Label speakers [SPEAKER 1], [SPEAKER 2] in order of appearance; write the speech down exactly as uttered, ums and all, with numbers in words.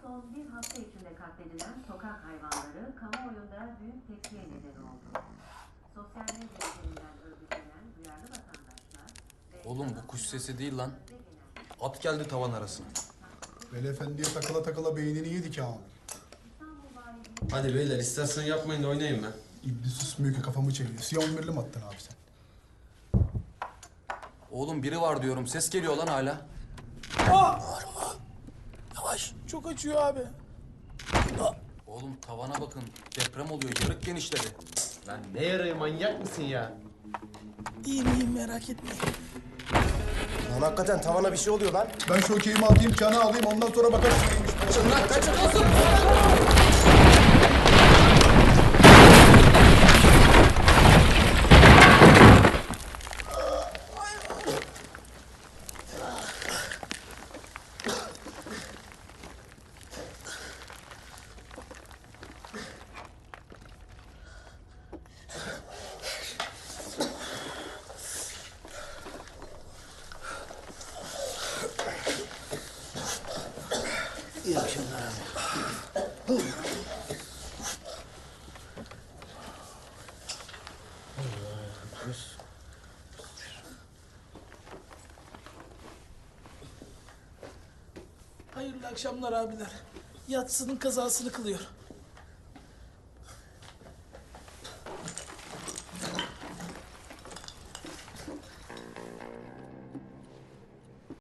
[SPEAKER 1] son bir hafta içinde katledilen sokak hayvanları kamuoyunda büyük tepkiye neden oldu. Sosyal medya üzerinden örgütlenen duyarlı vatandaşlar...
[SPEAKER 2] Oğlum bu kuş sesi değil lan. At geldi tavan arasına.
[SPEAKER 3] Veli Efendi'ye takıla takıla beynini yedik ha.
[SPEAKER 4] Hadi beyler istersen yapmayın da oynayayım ben.
[SPEAKER 3] İblis susmuyor ki kafamı çeviriyor. Siyah on birli mi attın abi sen?
[SPEAKER 2] Oğlum biri var diyorum. Ses geliyor lan hala.
[SPEAKER 5] Bağırma. Yavaş. Çok acıyor abi.
[SPEAKER 2] Oğlum tavana bakın. Deprem oluyor. Yarık genişledi.
[SPEAKER 4] Lan ne yarayı manyak mısın ya?
[SPEAKER 5] İyiyim iyiyim merak etmeyin.
[SPEAKER 6] Lan hakikaten tavana bir şey oluyor lan.
[SPEAKER 3] Ben şu okeyimi atayım, kanı alayım, ondan sonra bakarız neymiş.
[SPEAKER 4] Kaçın lan kaçın.
[SPEAKER 5] İyi akşamlar abi. Hayırlı akşamlar abiler. Yatsının kazasını kılıyor.